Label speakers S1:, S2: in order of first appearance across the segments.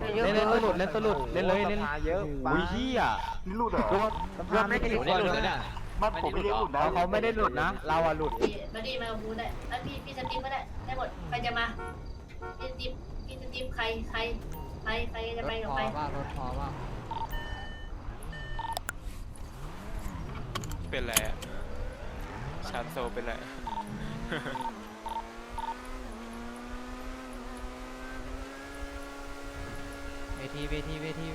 S1: เล่นตัวหลุดเล่นตัวหลุดเล่นเลยเล่นเยอะอุ้ยเฮีย
S2: นี่หลุดเหรอ
S1: รวมไม่ได้หลุดเลยเนี่ย
S2: มันผมไม่ได้หลุดนะ
S1: เขาไม่ได้หลุดนะเราอะหลุด
S3: มาดีมาบูได้แล้วพี่สติ๊กก็ได้หมดใครจะมาพี่สติ๊กใครจะไปกับใคร
S4: รถพอว่า
S5: เป็นไรอะชาร์จโซเป็นไร
S4: เวทีกำลังไปเวที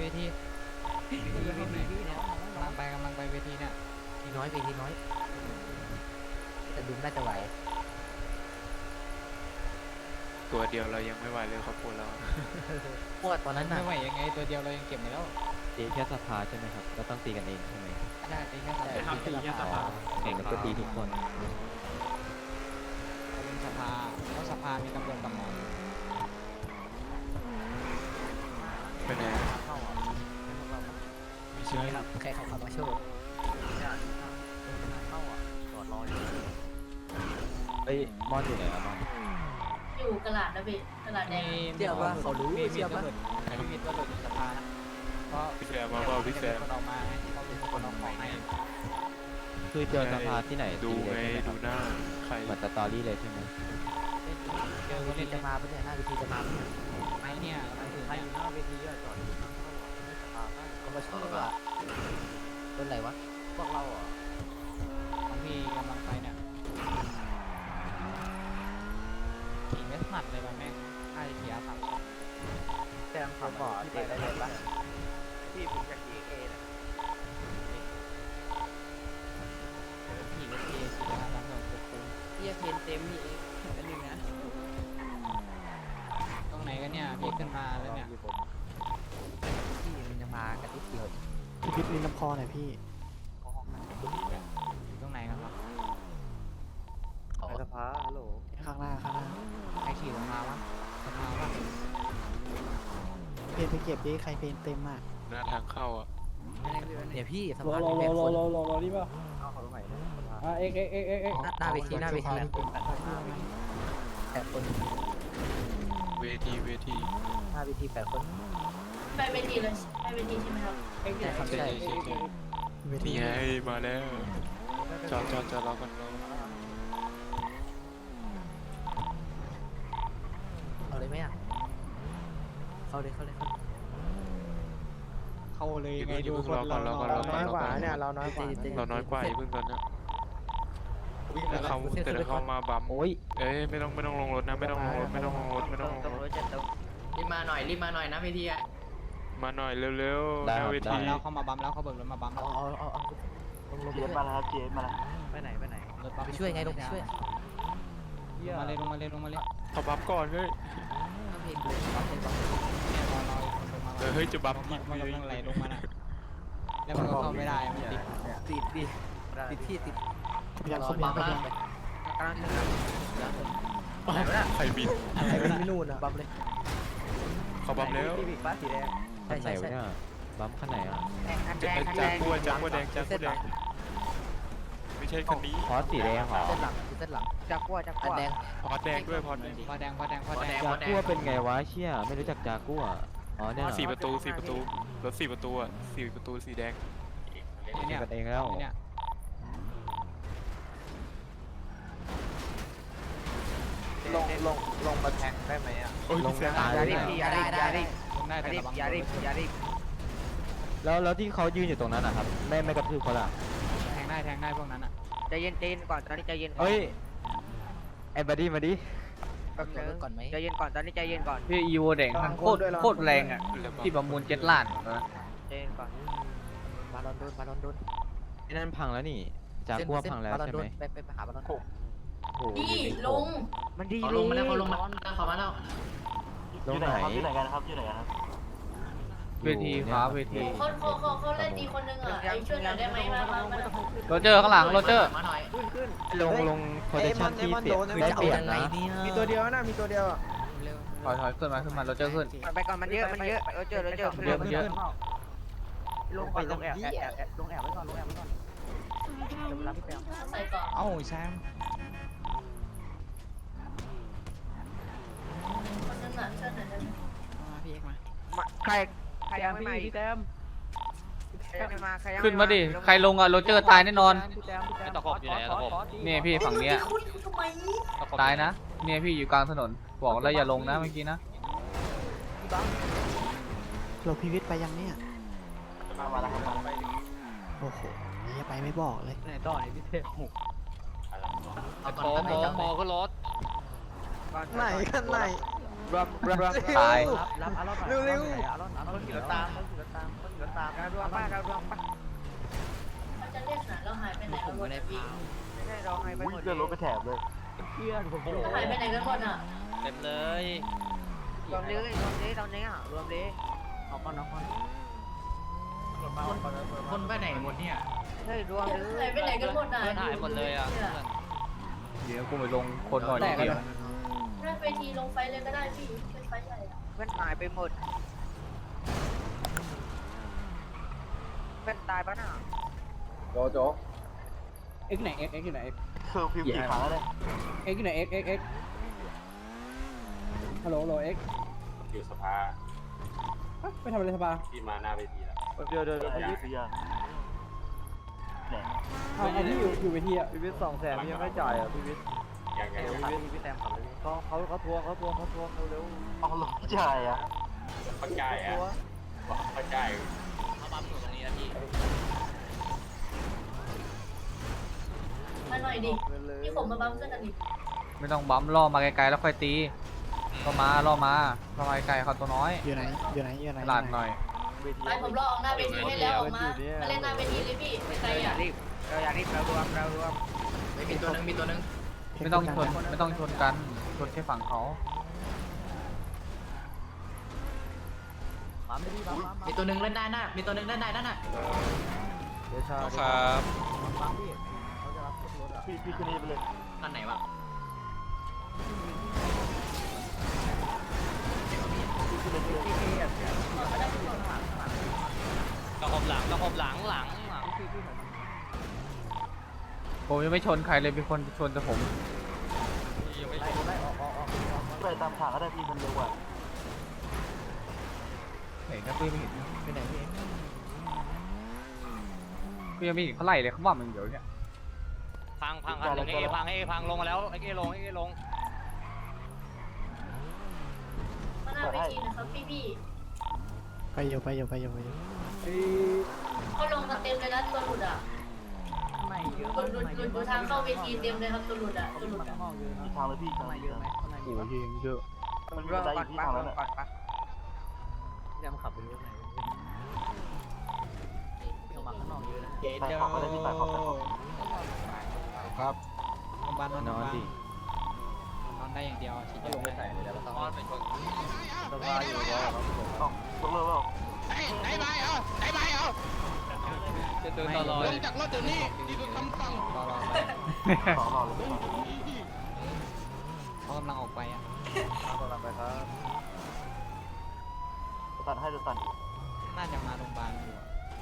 S4: เนี่ย
S1: ทีน้อยไปทีน้อยแต่ดุมน่าจะไหว
S5: ตัวเดียวเรายังไม่ไหวเลยครอบครัวเรา
S1: พวกตอนนั้นน่ะ
S4: ไม่ไหวยังไงตัวเดียวเรายังเก็บไม่แล้ว
S6: ตีแค่สภาใช่ไหมครับก็ต้องตีกันเองใช่ไหม
S4: ได้ตีแค่สาม
S6: ครับตีแค่สภาแข่งกันก็ตีทุกคน
S4: เป็นสภาเพราะสภามีตำรวจกับหมอ
S5: เป็นไงไม่ใช่
S1: ใครเขาขับมาโชว์เฮ้ยมอนอยู่ไหนอะมอน
S3: อยู่กระดาษนะพี่กระดาษแดง
S1: เดี๋ยวว่าเขารู้
S4: มี
S1: เดี๋ยว
S4: ตัว
S1: ว่า
S4: หลุดมีตัวหลุดในสภาเพราะ
S5: พี่แซมมาเปล่าพี่แซม
S4: คนออกมาเขาเป็นคนออกของให้
S6: คือเจอสภาที่ไหน
S5: ดู
S6: ตี
S5: ไง
S6: เลยใช่ไหมค
S5: ดู
S6: รับ
S5: หน้าใคร
S6: เหมือนสตอรี่เลยใช่ไหม
S4: เจอ
S1: วิ
S4: คน
S1: ธี
S4: เล่น
S1: จะมาปะเนี่ยหน้าวิธีจะมาปะเนี่ย
S4: ไม้เนี่ยใครอยู่หน้าเวทีจอด
S1: เขามาโชว์อ่ะเป็นไรวะพวกเราเหรอ
S4: ของพี่กำลังไปเนี่ยขี่ไม่ถนัดเลยว่ะแม่งน่าจะขี่อาสาม
S1: แจ้งความบอกเตะได้เลยปะพี่ผมอยากขี่เอนะ
S4: ขี่เวทีขี่อาสามสองปุ๊บ
S1: เฮียเพนเต็มนี่เองอันนึงนะ
S4: ตรงไหนกันเนี่ยพี่ขึ้นมาแล้วเนี่ย
S1: พี่มันจะมากันที่เดียว
S7: พี่พิษลิ้นลำคอหน่อยพี่
S4: ตรงไหนกันครับ
S1: สภาฮัลโหล
S7: ข้างหน้า
S4: ใครขี่ลงมาวะสภาวะ
S7: เพนไปเก็บดิใครเพนเต็มอ่ะ
S5: หน้าทางเข้าอ่ะ
S1: เดี๋ยวพี่ส
S8: รอ
S1: ภาร
S8: อ
S1: แบ
S8: รอบ ร
S7: Dạ,
S8: อ
S1: คน
S8: รอรอรอนี่ป่ะ
S1: เอาเขาตรงไหนนะสภา
S8: เอ็ก
S1: หน้าเวทีแบบคน
S5: เวที
S1: หน้าเวที8 คน
S3: ไปเวทีเลยไปเวทีใช่ไหมครับ
S1: ใช่ครับใช่
S7: เวที
S5: นี่ไงมาแล้วจอดรอกันรอ
S1: เอาเลยไหมอ่ะเข้าเลย
S4: เข้าเลยไง
S5: อย่า
S4: ดู
S5: เพิ่ง
S4: คน
S5: รอก่อนรอก่อนรอก่อน
S7: น้อยกว่าเนี่ยเราน้อยกว่า
S5: เราน้อยกว่าอย่าเพิ่งตอนนี้แต่เขามาบัม
S6: โอ้ย
S5: เอ้ยไม่ต้องลงรถนะไม่ต้องลงรถ
S1: รีบมาหน่อยนะเวทีอ่ะ
S5: มาหน่อยเร็วๆหน้าเว
S4: บั
S5: ที
S4: มแล้วเขามาบัมแล้วเขาเบิกรถมาบัมแล้ว
S1: เอาลง
S2: เจสมาแล้วเจสมาแล้ว
S1: ไปไหน
S4: รถบัม
S1: ไปช่วยไงลงไปช่วย
S4: ลงมาเลยลงมาเลยลงมาเลย
S5: เขาบัมก่อนเฮ้ย
S1: เพลงเลยบัฟเป็นบัฟ
S4: เนี่ยรอลงมา
S5: เฮ้ยจะบัม
S4: มั
S5: อี
S4: น
S5: ก
S4: กำลังไหลลงมาน่ะแล้วมันก็เข้าไม่ได้มันติด
S1: ติดที่ติด
S7: อยากคนเดียวไปยัง
S1: กำลังจะอะไรวะน่ะ
S5: ใครบิน
S1: อะไรวะน่ะไม่นู่นอ่ะบัฟเลย
S5: เขาบัมแล้ว
S1: พี่บิ๊กบ้าสีแดง
S6: ขั้นไหนวะเนี่ยบัมขั้นไหนอ่ะ
S5: จากกัวแดงไม่ใช่คันนี้
S6: พอสสีแดงเหรอ
S1: เส้นหลังจากกัวอันแดง
S5: พอดแดงด้วยพอดแดง
S4: พอแดง
S6: จากัวเป็นไงวะเชี่ยไม่รู้จักจากัวอ๋อเนี่ยเหรอ
S5: 4 ประตูรถ4 ประตูอ่ะ4 ประตูสีแดง
S6: ตี
S4: เนี่ย
S6: กันเองแล้ว
S4: เนี่ย
S1: ลงมาแทงได้ไหมอ่ะ
S5: โอ้ย
S6: ลง
S5: แซม
S6: ตาย
S1: อย่า
S6: เลย
S1: รีบ
S6: เนี่ย
S4: ลงได้แต่ระวัง
S1: อย่ารีบ
S6: แล้วที่เขายืนอยู่ตรงนั้นนะครับไม่กระทืบเขาล่ะ
S4: แทงได้พวกนั้นอ่ะ
S1: ใจเย็นก่อนตอนนี้ใจเย็น
S6: เฮ้ยไอ้บัดดี้มาดิ
S1: ก่อนไหมใจเย็นก่อนตอนนี้ใจเย็นก่อน
S8: พี่อีโวแดงทั้งโคตรแรงอ่ะที่ประมูล7 ล้าน
S1: ใจเย็นก่อนบาลอนโดน
S6: ไอ้นั่นพังแล้วนี่จากัวพังแล้วใช่ไหม
S1: ไปหาบาลอน
S6: โอ้โห
S3: นี่ลง
S1: มันดี
S2: เขาลงมาแล้วเขาลงมาเขามาแล้ว
S6: ลงไหน
S2: ที่ไหนกันครับที่ไหนกันครับ
S8: เวทีครับเวที
S3: เขาเล่นดีคนนึงอ่ะไอ้ช่วยหน่อยได้ไหมมา
S8: โรเจอร์ข้างหลังโรเจอร์
S2: มาหน่อย
S6: ลงโพซิชั่นที่เสียได้เปรียบนะ
S1: มีตัวเดียวนะมีตัวเดียว
S8: ถอยขึ้นมาโรเจอร์ขึ้น
S1: ไปก่อนมันเยอะเจอลงไปลงแอบไว้ก่อน
S3: ใส่ก่อน
S4: เอ้าแซม
S3: คนนึงอ่ะช่วยหน่อยได้ไหม
S4: มาพี่เอกมา
S1: ใครยังไม่มาพี่แต้มใครยังไม่มาใครยัง
S8: ขึ้นมาดิใครลงอะโรเจอร์ตายแน่นอน
S1: พี่แต้ม
S5: ตะขบอยู่ไหนตะขบ
S8: เนี่ยพี่ฝั่งเนี้ย
S3: คุณทำไม
S8: ตายนะเนี่ยพี่อยู่กลางถนนบอกแล้วอย่าลงนะเมื่อกี้นะ
S7: เราพีวิทย์ไปยังเนี่ย
S2: มาแล้วครับมา
S7: โอ้โหอย่าไปไม่บอกเลย
S1: ไหนต่อไหนพี่เต้ม
S5: โมขึ้นรถ
S1: ไหนกันไหน
S8: ตาย
S1: รับอารมณ์เร็วๆอารมณ์ขี่รถตามขี่รถตามขี่รถตามการรวมป้าการรวมป้า
S3: เขาจะเล่นน่ะเราหายไปไหนกันหมดอ่ะพี่
S1: ไม่ใช่เราให้ไป
S2: อุ้ย
S1: หมด
S2: เลื่อนรถไปแถบเลย
S1: เพื่อนผม
S3: เราหายไปไหนกันหมดอ่ะ
S5: เต็มเลย
S1: รวมเลยรวมเลยตอนนี้อ่ะรวมเลยเอาก่อนเอาก่อน
S2: คนไปไหนหมดเนี่ย
S1: เฮ้ยรวมเลย
S3: หายไปไหนกันหมดอ่ะ
S5: เพื่อนหายหมดเลยอ่ะ
S8: เดี๋ยวกูไปลงคนหน่อยนิดเดียว
S3: ถ้าเวทีลงไฟเลยก็ได้พี่เป็นไฟใหญ่อ่ะ
S1: เพื่อนหายไปหมดเพื่อนตายปะน่ะ
S4: เอ็กไหนเอ็กอยู่ไหน
S2: คือฟิวกี่ครั้งแล้วเนี่ย
S4: เอ็กอยู่ไหนเอ็กฮัลโหลเอ็ก
S9: อยู่สภา
S4: ไปทำอะไรสบาย
S9: ที่มาหน้าเวทีแล้ว
S2: เดี๋ยวไอ้ยี่สิบยังเนี่ย
S4: เอาที่อยู่เวทีอ่ะ
S1: พี่วิทย์200,000พี่ยังไม่จ่ายอ่ะพี่วิทย์
S9: อย่าง
S1: พี่แซมขับเลยเขาทวงเร็ว
S2: เอารถจ่ายอ่ะ
S9: เข้าใจอ่ะบอกเข้าใจ
S5: เขาปั๊มอยู่ตรงนี้นะพี่
S3: มาหน่อยดิพี่ผมมาบัมเสื้อกันดิ
S8: ไม่ต้องบั๊มล่อมาไกลๆแล้วค่อยตีล่อมาล่อไกลๆเขาตัวน้อย
S7: อยู่ไหนอยู่ไหนอยู่ไหน
S8: ตลาดหน่อย
S3: ไปผมรอออกหน้าเวทีให้แล้วออกมาเล่นหน้าเวทีเลยพี่ไม่ไกลอ่ะ
S1: เราอยากรีบเรารวม
S2: มีตัวนึง
S8: ไม่ต้องชนกันชนแค่ฝั่งเขา
S1: ปั๊มไม่ดีปั๊ม
S2: มีตัวนึงเล่นได้น่ะมีตัวนึงเล่นได้นั่นน่ะ
S1: เดี๋ยวชา
S5: ครับ
S1: ปั๊มพี่เขาจะรับรถอ่ะ
S2: พี่ขึ้นนี่ไปเลยนั่นไหนวะ
S5: ตะขบหลัง
S8: ผมยังไม่ชนใครเลยมีคนชนแต่ผม
S5: ยังไม่
S1: ไล่ออก
S2: ไปตามทางก็ได้พี่มันเร็วกว่า
S8: เห็นนะพี่ไม่เห็น
S1: ไปไหนพี่
S8: พี่ยังไม่เห็นเขาไล่เลยเขาว่ามันเดี๋ยวเนี่ย
S5: พังกันหนึ่งเอพังลงมาแล้วเอลง
S3: มาหน้าเวทีนะครับพี่
S7: ไปอยู่
S3: เขาลงกันเต็มเลยนะตัวหลุดอ่ะ
S1: ไม่เยอะ
S3: หลุดอยู่ทางเข้าเวทีเต็มเลยครับตัวหลุดอ่ะตัวหลุดอ่ะ
S1: ห้องเยอะนะ
S2: มีทางเลยพี่
S1: ข้างในเยอะไหมข้างในเย
S8: โอ้
S1: อะ
S8: ยยิงเยอะ
S2: มันมีบันไดอยู่ที่ทางนั้นแหละ
S1: ยังขับไปรถไหนยังมาข้างนอกเยอะนะ
S2: ใส่ขอบก็ได้พี่ใส่ขอบ
S4: ครับโรงพยาบาล
S6: นอนดิ
S4: นอนได้อย่างเดียวฉีดยา
S1: ลงไป
S4: ไม่
S1: ใส่
S4: ได้
S1: เลยแล้ว
S5: ตอนเป็นคน
S1: สภาอยู่แล้วครับผม
S2: ต้องยกเลิกแล้ว
S5: จะเดินตลอด
S4: รอไป
S2: ต่อเลย
S4: เขากำลังออกไปอ่ะ
S1: กำลังไปครับ
S2: ตัดให้ดูตัด
S4: น่าจะมาโรงพยาบาลอยู่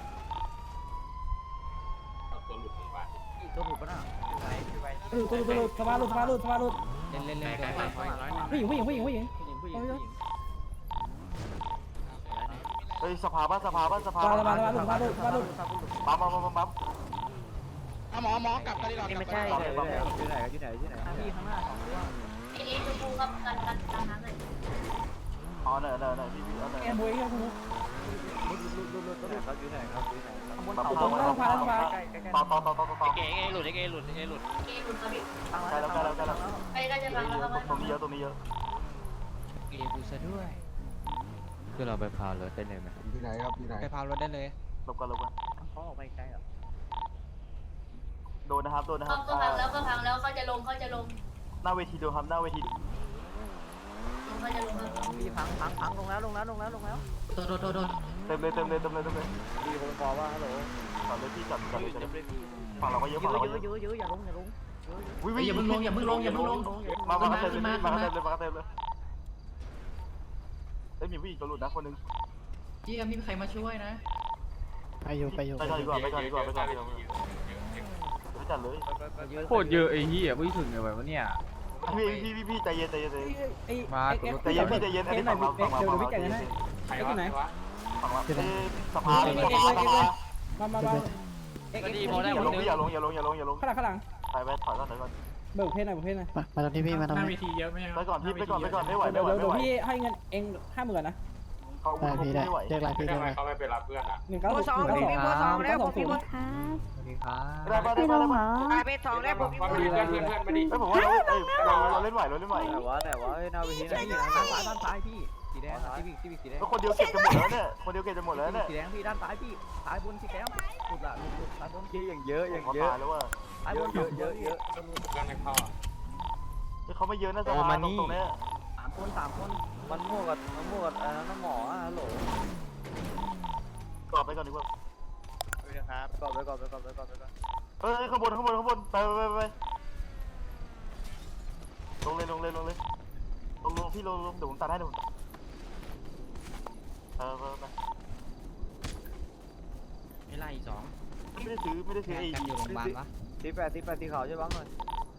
S9: ตัวหลุดของบ้าน
S1: ตัวหลุดปะน่ะไป
S4: ลุดสภาลุดเล่นเกินไปผู้หญิง
S1: ผู้หญิง
S2: เฮ้ยสภาบ้านปั๊มปั๊ม
S1: นี่ไม่ใช่เลยอยู่ไหนพี่ข้างหน้าของตัว
S3: ไอ้นี้ชมพูครับกันนั้นเลย
S2: อ๋อเนี่ยพี่เอาเนี่ย
S1: เขาอยู่ไหนครับข้างบนเขา
S2: ต่อ
S5: เอหลุด
S3: เกมหลุดครับพี่
S2: ใกล้แล้ว
S3: ไปก็จะฟังแล้วครับ
S2: ตรงนี้เยอะ
S4: เอกูซะด้วย
S6: คือเราไปพาวรถได้เลยไหม
S4: ไปพาวรถได้เลย
S2: หลบกัน
S1: เขาออกไปไกลอ่ะ
S2: โดนนะครับ
S3: ก็พังแล้วเขาจะลง
S2: หน้าเวทีดูครับหน้าเวที
S3: เขาจะลงครับ
S1: พี่พังลงแล้ว
S2: เต็มเลย
S1: พี่ผมบอกว่าฮัลโหล
S2: จับเลยพี่จับเลยฝั่งเราก็เยอะ
S1: เยอะอย่าลง
S2: วิ่งอย่าเพิ่งลงมาเต็มเลยเอ้ยมีผู้หญิงตัวหลุดนะคนนึง
S7: ไปอยู่
S2: ไปก่อนดีกว่าไม่จัดเลย
S8: โคตรเยอะไอ้เหี้ยไม่ถึงเลยวะเนี่ย
S2: พี่ใจเย็น
S8: มา
S2: ใจเย็นอันนี้ฝั่งเรา
S9: ใครวะใครวะ
S7: อยู่ไหน
S1: สภา
S4: มาเอ็ก
S5: ก็
S4: เอ็ก
S5: ดีพอได้
S1: อ
S5: หม
S1: ย่า
S5: ด
S1: ลง
S5: นึง
S1: พี่อย่าลงอย่าลงอย่าลงอย่าลง
S4: ข้างหลัง
S1: ไปไปถอยก่อนถอยก่อน
S4: เบิกเพศหน่อยเบิกเพศหน่อย
S7: มาตรงที่พี่มาตรง
S2: หน้า
S7: นี้
S2: เวทีเยอะไหม
S1: ไปก่อนพี่ไปก่อนไม่ไหว
S4: เดี๋
S1: ไม่
S4: ยว
S1: ไหว
S4: เดี๋ยว
S1: ไม่ไหว
S4: พี่ให้เงินเอง50,000นะ
S1: เขา
S7: ได้พี่ได้
S1: ไม่ไหว
S7: เรียกอะไรพี่
S9: ทำ
S7: เรียก
S9: ไม
S7: อะไร
S9: เขาไม่ไปรับเพื่อนอ่ะ
S4: 1960
S8: ผมมีเบอร์สองแล้วผมมีเบอร์สวัสดีครับ
S1: ได้ปะได้ปะได้ปะ
S8: กลายเป็น2แล้วผมมี
S9: มา
S8: เบอ
S9: ดิ
S8: ร์
S9: เพื่อนมาดิ
S1: ไอ้ผมว่าเราเล่นไหวเราเล่นไหว
S6: แต่ว่าหน้าเวทีไหนด้านซ้ายพี่สีแดงที่สีแดง
S1: แล้วคนเดียวเก็บจะหมดแล้วเนี่ยคนเดียวเก็บจะหมดแล้วเนี่ย
S6: สีแดงพี่ด้านซ้ายพี่ซ้ายบนสีแดงหลุดละหลุดซ้ายบนพี่อย่างเยอะอย่าง
S1: เขา
S6: เยอะ
S1: ตายแล้วว่า
S6: ซ้ายบนเยอะ
S9: เพื่อนไม่เข้าอ่ะ
S1: เขาไม่เยอะนะสภาตรงนี้
S6: 3 คนมันมั่วกับน้ำหมอฮัลโหล
S1: กรอบไปก่อนดีกว่า
S6: ครับก่อนไป
S1: ข้างบนไปลงเลยพี่ลงเดี๋ยวผมตัดให้ดูไป
S6: ไม่ไล่2
S1: ไม่ได้ซื้อไอ้
S6: อยู่โรงพยาบาลวะตีเขาใช่บ้างเลย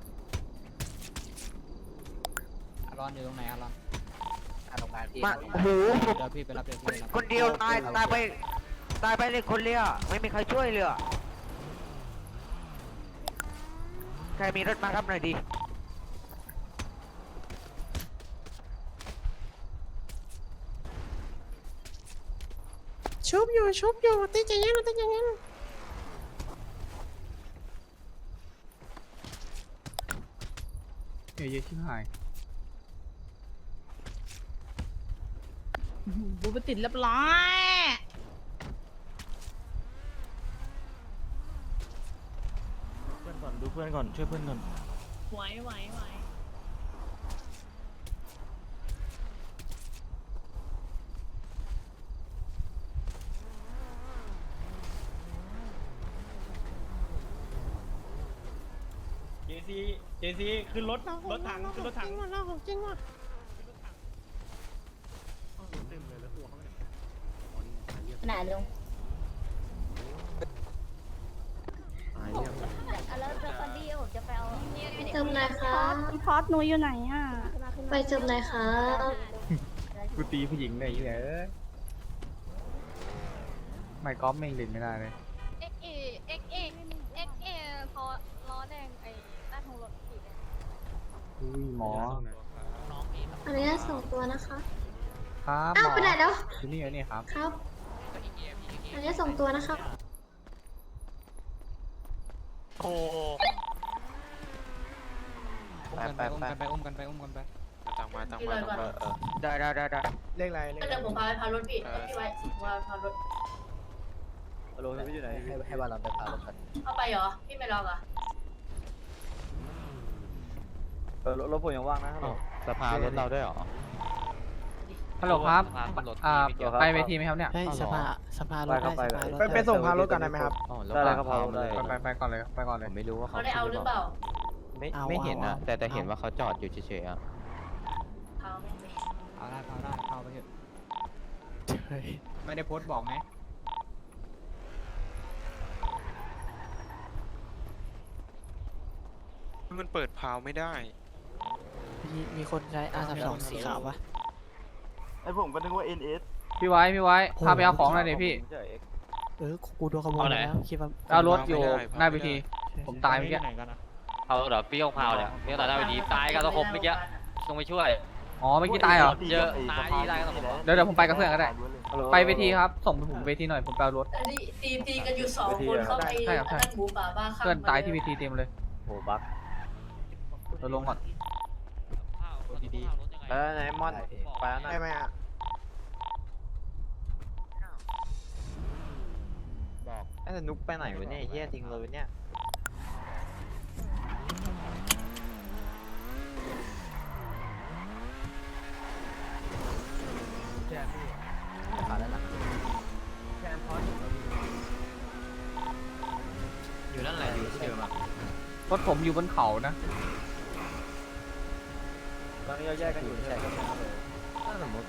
S6: อารอนอยู่ตรงไหนอารอนโรงพยาบาลพี่โอ้โหเดี๋ยวพี่ไปรับ
S8: คนเดียวตายไปเลยคนเดียวไม่มีใครช่วยเลยใครมีรถมารับหน่อยดิ
S7: ชุบอยู่ตีใจเย็น
S8: เยอะชิบหาย
S10: บูไปติดเรียบร้อย
S6: ดูเพื่อนก่อนช่วยเพื่อนก่อน
S10: ไหว
S2: เจซีขึ้นรถถังขึ้นรถถัง
S7: จริงว่ะ
S3: ขนาดลง
S10: แล้วเจอคนดีผมจะไปเอา
S3: เติมไหนคะ
S10: พอดหนูอยู่ไหนอ่ะ
S3: ไปเติมไหนคะ
S8: กูตีผู้หญิงได้ยังไงไม่ก๊อฟไม่เล่นไม่ได้เลย
S10: XA พอล้อแดงไอ้ใต้ท้องรถสีแดง
S8: อุ้ยหมอ
S3: อันนี้ส่งตัวนะคะ
S8: ครับห
S3: อ้าว
S8: มอ
S3: ไปไหนแล้ว
S8: ที่นี่นี่ครับ
S3: ครับ อันนี้ส่งตัวนะครับ
S1: โอ้
S6: อุ้มกันไป
S5: ต่างมา
S8: ได้
S7: เรียกอะไร
S3: ก็เดี๋ยวผมพารถพี่ไว้พารถ
S6: ฮัลโหลพี่อยู่ไหนให้บ้านเราไปพารถกัน
S3: เอาไปเหรอ พี่ไม่ลองเหรอ
S6: รถผมยังว่างนะสภารถเราด้วยหรอ
S8: ฮัลโหลครับไปเวทีไหมครับเนี่ย
S7: ให้สภารถได้
S6: ไปส่งพารถกันได้ไหมครับได้เลยครับได้
S8: ไปก่อนเลย
S6: ผมไม่รู้ว่า
S3: เขาได้เอาหรือเปล่า
S6: ไม่เห็นนะแต่เห็นว่าเขาจอดอยู่เฉยๆอ่ะ
S3: เอาไม่ไป
S8: เอาได้เข้าไปเถอะ
S7: เฮ้ย
S8: ไม่ได้โพสต์บอกไหม
S5: มันเปิดพาวไม่ได้
S7: มีคนใช้ R32 สีขาวปะ
S1: ไอ้ผมก็นึกว่า NS
S8: พี่ไว้พาไปเอาของหน่อยดิพี่
S7: กูโดนขโมยแล้วคิดว่า
S8: เอารถอยู่หน้าเวทีผมตายเมื่อกี้
S5: เอาเดี๋ยวพี่ยงพาวเนี่ยพี่ตายได้ไปดีตายกันตะคมเมื่อกี้ต้องไปช่วย
S8: อ๋อเมื่อกี้ตายเหรอ
S5: เยอะตายที่ไรกันตะคม
S8: เดี๋ยวผมไปกับเพื่อนก็ได้ ไปเวทีครับส่งผมเวทีหน่อยผมไปเอารถ
S3: ตีกันอยู่2 คนเข้าไปนั่นหมูป่าบ้าข้าง
S8: เพื่อนตายที่เวทีเต็มเลย
S6: โหบัก
S8: เราลงก่อน
S5: ดี
S6: แล้วไหนมอนไปแล้วนะ
S7: ได้ไหมอ่ะ
S6: บอกไอ้นุกไปไหนวะเนี่ยเฮียทิ้งเลยเนี่ยอยู่นั่นแหละอยู่ที่เดิมอ่ะ
S8: รถผมอยู่บนเขานะ
S6: ตอนนี้เราแยกกันอยู่ใช่ไหมถ้าสมมติ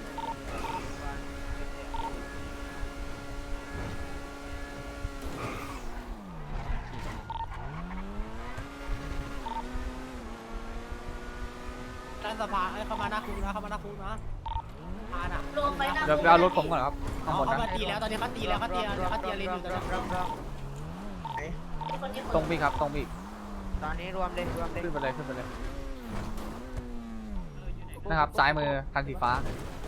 S4: ด้านสภาเข้ามาหน้าคุกนะเข้ามาหน้าคุกนะมา
S3: รวมไปหน้า
S8: เดี๋ยวไปเอารถผมก่อนครับข้างบนนะ
S6: เขาตีแล้วตอนนี้เขาตีแล้วเขาตีเลนอยู่ตอนนี้
S3: คนที่
S8: ตรงพี่ครับตรงพี่
S1: ตอนนี้รวมเลยรวมเลย
S8: ขึ้นไปเลยขึ้นไปเลยนะครับซ้ายมือคันสีฟ้า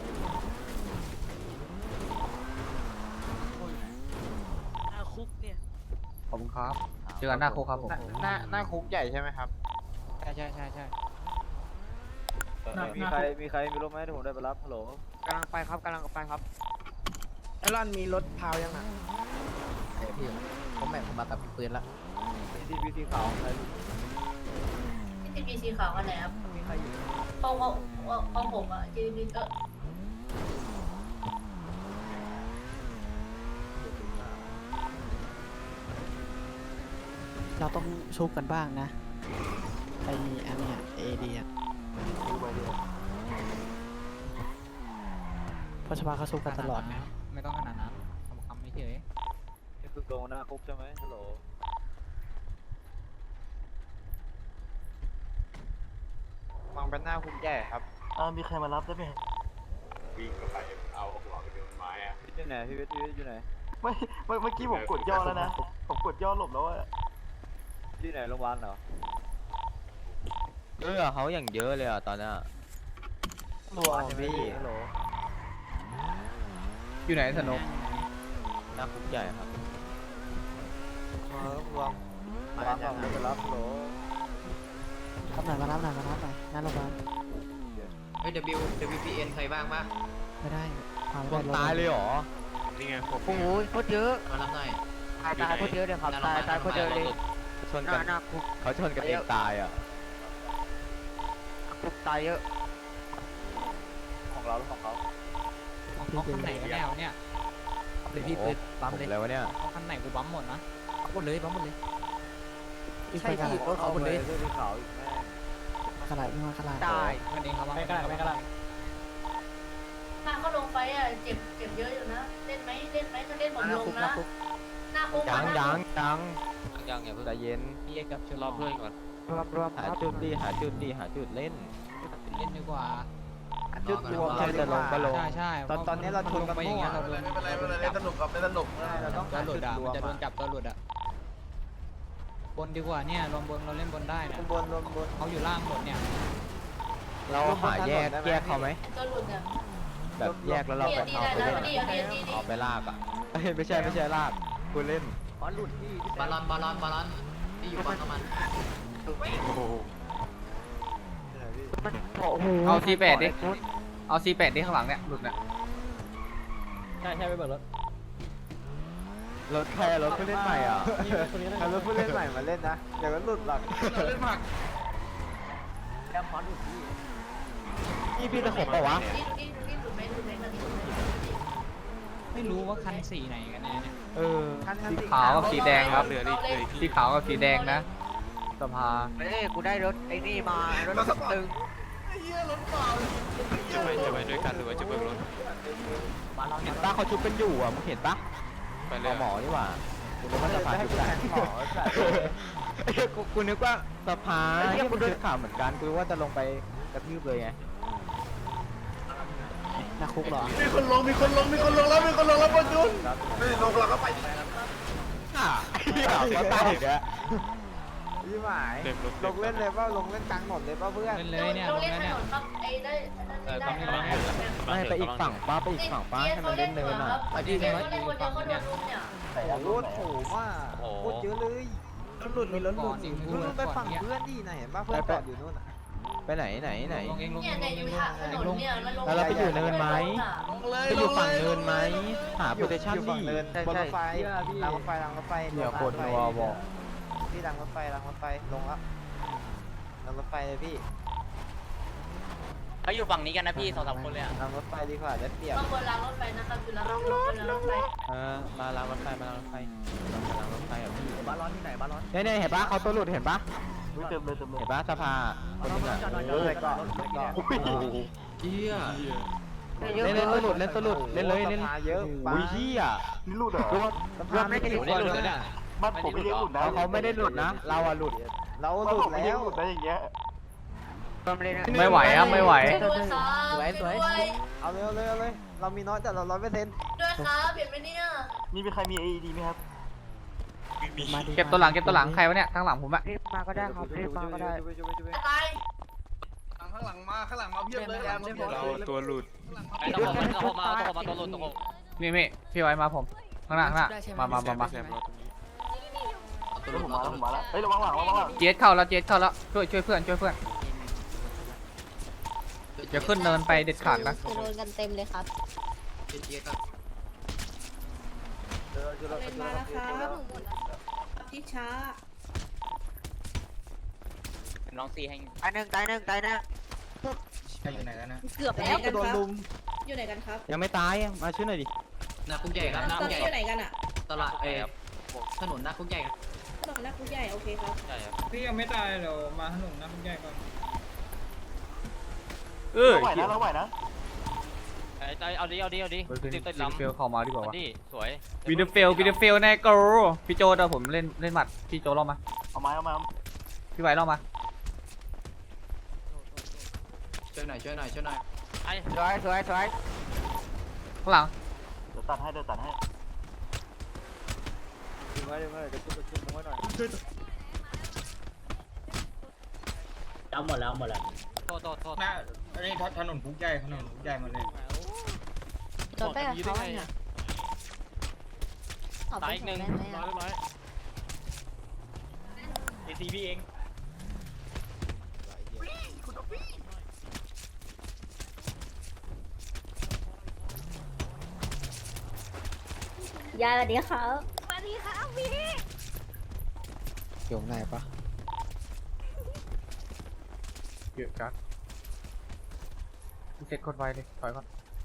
S7: หน้าคุกเนี่ย
S8: ขอบคุณครับเจอกันหน้าคุกครับผม
S1: หน้าคุกใหญ่ใช่ไหมครับ
S6: ใช่
S1: มีใครมีรถไหมที่ผมได้ไปรับฮัลโหลกำลังไปครับกำลังไปครับ
S7: ไอรอนมีรถพาวยังอ่ะ
S6: พี่ผมมากับปืนละ
S1: พีซีขาวใคร
S3: ที่ทีสีขาวอันไหนครับ
S1: มีใครอยู่
S3: ของผมอ่ะทีวีก็
S7: เราต้องชุบกันบ้างนะไออันเนี้ยเอดีอ่ะเพราะชาวบ้านเขาชุบกันตลอดนะ
S6: ไม่ต้องขนาดนั้นคำไม่เฉย
S1: นี่คือตรงหน้าคุกใช่ไหมฮัลโหล
S4: มองเป็นหน้าคุกใหญ่ครับ
S2: มีใครมารับได้ไหม
S9: วิ่งเข้าไปเอาหัวไปโดนไม้อะ
S1: อยู่ไหนพี่วิทย์อยู่ไหน
S2: เมื่อกี้ผมกดย่อแล้วนะผมกดย่อหลบแล้วอะ
S1: อยู่ไหนโรงพยาบาลเหรอ
S4: เขาอย่างเยอะเลยอ่ะตอนนี้
S1: โรงพยาบาลใช่ไหมพี่ฮัลโหล
S8: อยู่ไหนสนุก
S4: หน้าคุกใหญ่ครับ
S1: รวมมาจากไหนไปรับฮัลโหล
S7: มารับหน่อยหน้าโรงพยาบาล
S6: เฮ้ย WPN ใครบ้างปะ
S7: ไม่ได้พา
S4: ค
S7: ไม่
S4: น
S7: ได้
S4: ตายเลยเหรอ
S5: นี่ไงผม
S1: โอ้โหโคตรเยอะ
S6: มารับหน่อย
S1: ตายโคตรเยอะเลยครับตายโคตรเยอะเลย
S4: ชนกัน
S1: หน้าคุก
S4: เขาชนกันเองตายอ่ะ
S1: คุกตายเยอะของเราหรือของเขา
S6: เขาคันไหนกันแนวเนี่ยเดี๋ยวพี่ปืนบัมเลย
S4: แล้ววะเนี่ย
S6: เขาคันไหนกูบัมหมดนะบัมหมดเลยบัมหมดเลย
S7: อีก
S1: ใช่
S7: คนกัน
S1: ที่รถเขาหมดเลยเสื้อสีขาวอีกแม่
S7: ขนาดอีกมาขนาด
S1: ตาย
S6: กันเองครับ
S7: ไม่กล้าไม่กล้า
S3: ถ้าเขาลงไปอ่ะเจ็บเยอะอยู่นะเล่นไหมถ้าเล่นผมลงนะหน้าคุก
S4: ยังอย่าเพิ่งใจเย็น
S6: พี่กับเชล
S5: รอเพื่อนก่อน
S1: รวม
S4: หาจุดดีหาจุดเล่น
S6: เล่นดีกว่า
S1: จุดรวม
S4: ใช่จะลงก็ลง
S6: ใช่
S1: ตอนนี้เราชนกัน
S6: ไปอย่างเงี้ยเราโดน
S2: สนุกครับสนุก
S1: เราต้อง
S6: ตัวหลุดอ่ะมันจะโดนจับตัวหลุดอ่ะบนดีกว่าเนี่ยรวมบนเราเล่นบนได้นะ
S1: บน
S6: เขาอยู่ล่างหมดเนี่ย
S4: เราหาแยกเขาไหม
S3: ตัวหลุดเนี่ย
S4: แบบแยกแล้วเราไปเอาไปเล่น
S3: ดี
S4: เอาไปลากอ่ะไม่ใช่ลากกูเล่น
S1: อ๋อหลุดที่
S6: บอลอนที่อยู่ฝั่งมัน
S8: เอาC8ดิเอาC8ดิข้างหลังเนี่ยหลุดเนี่ย
S6: ใช่ไปเบิกรถ
S4: รถแค่รถผู้เล่นใหม่อ่ะ
S1: เอารถผู้เล่นใหม่มาเล่นนะเดี๋ยวก็หลุดหรอก
S2: เล่นผัก
S1: แอมพอดหลุดที่
S4: พี่ตะขบเปล่าวะ
S3: ดูดิหลุดไหมกันดิ
S6: ไม่รู้ว่าคันสีไหนกันแน่เนี่ย
S8: สีขาวกับสีแดงครับ
S5: เหลืออีก
S8: สี
S5: พี่
S8: ขาวกับสีแดงนะสภา
S1: เอ้ยกูได้รถไอ้นี่มารถตึง
S5: จะไปด้วยกันหรือว่าจะเบิกรถ
S4: เห็นปะเขาชุบกันอยู่อ่ะมึงเห็นปะ
S5: ไปเลย
S4: หมอนี่หว่ากูนึกว่าสภาชุบกันกูนึกว่าสภาที่มันชุดข่าวเหมือนกันกูว่าจะลงไปกระทืบเลยไง
S7: หน้าคุกเหรอ
S2: มีคนลงแล้วบอลยุนไม่ลงเราก็ไป
S4: ก็ตายอีกแล้ว
S1: ยี่หมาย
S5: เต็มรถ
S1: ลงเล่นเลยป่ะลงเล่นกลางถนนเลยป่ะเพื่อน
S6: เล่นเลยเนี่ย
S3: เรา
S6: ลง
S3: เล่น
S6: แล้ว
S3: ถ
S6: เนี่ย
S3: นนครับไอ้ได้ได้
S4: ไม่ไปอีกฝั่งป้าไปอีกฝั่งป้าให้มันเล่นเนินอ่ะ
S3: เขาเล่นคนเดียวเขาโดนลุมเนี่ย
S1: โอ้โหโถมากโคตรเยอะเลยรถหลุดมีรถหลุดมึงไปฝั่งเพื่อนดิไหนเห็นป่ะเพื่อนจอดอยู่นู่น
S4: ไปไหน
S6: ลงเองลง
S3: เนี่ยในอยู่ทางถนนเนี่ยมันลง
S4: แล้วเราไปอยู่เนินไหมไปอยู่ฝั่งเนินไหมหาโพซิชั่นดิ
S1: บนรถไฟรางรถไฟพี่รางรถไฟลงแล้วรางรถไฟเลยพี่
S6: เขาอยู่ฝั่งนี้กันนะพี่2-3คนเลยอ่ะ
S1: รางรถไฟดีกว่าได้เปรียบ
S3: ต้องบนรางรถไฟนะครับคือรางรถไฟ
S4: มาล้างรถไฟอ่ะพี่
S1: บ้านร้อนที่ไหนบ้านร้อน
S4: เนี่ยเห็นปะเขาตัวหลุดเห็นปะ
S2: เต็มเลย
S4: เห็นปะสภาคนนึงอ่ะ
S1: เลยก่อน
S6: เจี๊ย
S4: เล่นตัวหลุดเล่นเลยเล่น
S1: เยอะ
S4: อุ้ยเหี้ย
S2: นี่หลุดเหรอ
S1: รวมไม่ได้หลุดเลย
S2: บ้านผมไม่ได้หลุดนะ
S4: เขาไม่ได้หลุดนะเราอะหลุด
S1: เรา
S2: บ้าน
S1: หลุ
S2: ผ
S1: ด
S2: มไม่
S1: แล้
S2: ได้
S1: ว
S2: หลุดนะอย่างเงี้ย
S8: ไม่ไหวอ่ะไม่ไหว
S3: ด้วยครับ
S7: สวย
S1: เอาเลยเอาเลยเอาเลยเรามีน้อยแต่เรา100%
S3: ด้วยครับเห็นไหมเนี่ย
S2: นี่มีใครมี AED ไหมครับ
S7: มาดิ
S8: เก็บตัวหลังเก็บตัวหลังใครวะเนี่ยข้างหลังผมอะ
S1: รีบมาก็ได้ครับรีบมาก็ได้
S3: จะตาย
S2: ข้างหลังมาเพียบเลย
S5: เราตัวหลุด
S8: นี่พี่ไว้มาผมข้างหน้ามา
S5: แซมเราตรงนี้
S2: ผมมาแล้วเฮ้ยระวังหลัง
S8: เจี๊ยดเข้าแล้วช่วยเพื่อนอย่าขึ้นเนินไปเด็ดขาดนะ
S10: โดนกันเต็มเลยครับ
S1: เล่นมาแล้วครับที่ช้า
S6: น้องซีให้
S1: ตายหนึ่ง
S6: อยู่ไหนกันนะ
S10: เกือบแล้ว
S1: โดนลุม
S10: อยู่ไหนกันครับ
S7: ยังไม่ตายอ่ะมาช่วยหน่อยดิ
S6: นาคุกใหญ่ครับ
S10: ตอนนี้อยู่ไหนกันอ่ะ
S6: ตลาดถนนนาคุกใหญ่ครับ
S10: ถนนนักผู้ใหญ่โอเคครับ
S4: พี่ยังไม่ตายเดี๋ยวมาถนนน้ำใหญ่ก่อน
S2: เราไหวนะ
S8: เอาดิวินเฟลเข้ามาดีกว่าวะ
S5: สวย
S8: วินเฟลแน่กูพี่โจเดี๋ยวผมเล่นหมัดพี่โจรอมา
S2: เอามา
S8: พี่ไว้รอมา
S6: ช่วยหน่อย
S1: สวย
S8: ข้างหลัง
S2: เดี๋ยวตัดให้
S1: ดึงไว้เดี๋ยวขึ้นไว้หน่อย
S6: เอาหมดแล้ว
S4: น่าอันนี้ถนนคุกใหญ่มาเลย
S10: โดนไปกับเขาเนี่ยตายอีกหนึ่ง
S4: ACB เอง
S10: ยายสวัสดีครับสวัสดีครับพี่
S7: อยู่ไหนปะ
S8: เยอะจัดเซ็ตคนไวเลยถอยก่อน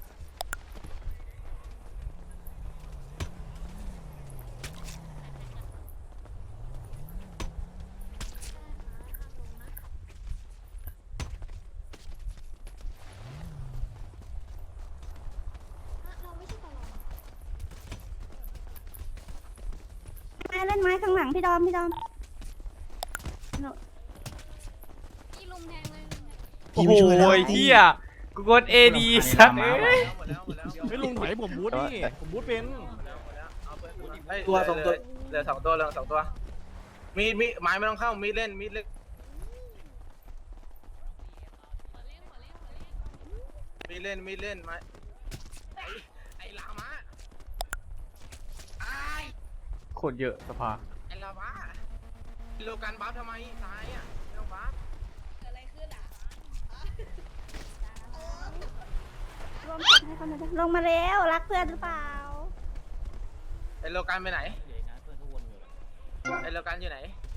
S10: เล่นไม้ข้างหลังพี่ดอม
S8: โอ้โหเฮียกูกด AD สัตว์
S4: ไม่ลุงถอยผมบูทนี่ผมบูทเป็น
S1: ตัวสองตัว
S4: เหลือ2 ตัวมีไม้ไม่ต้องเข้ามีเล่นไม้ไอ้ลามะ
S8: โคตรเยอะสภา
S4: ไอ้ลามะโลกันบัฟทำไมตายอ่ะไม่ต้องบัฟ
S10: อะไรขึ้นอ่ะลงมาแล้วรักเพื่อนหรือเปล่า
S4: ไอ้โลกันไปไหนไอ้โลกันอยู่ไหน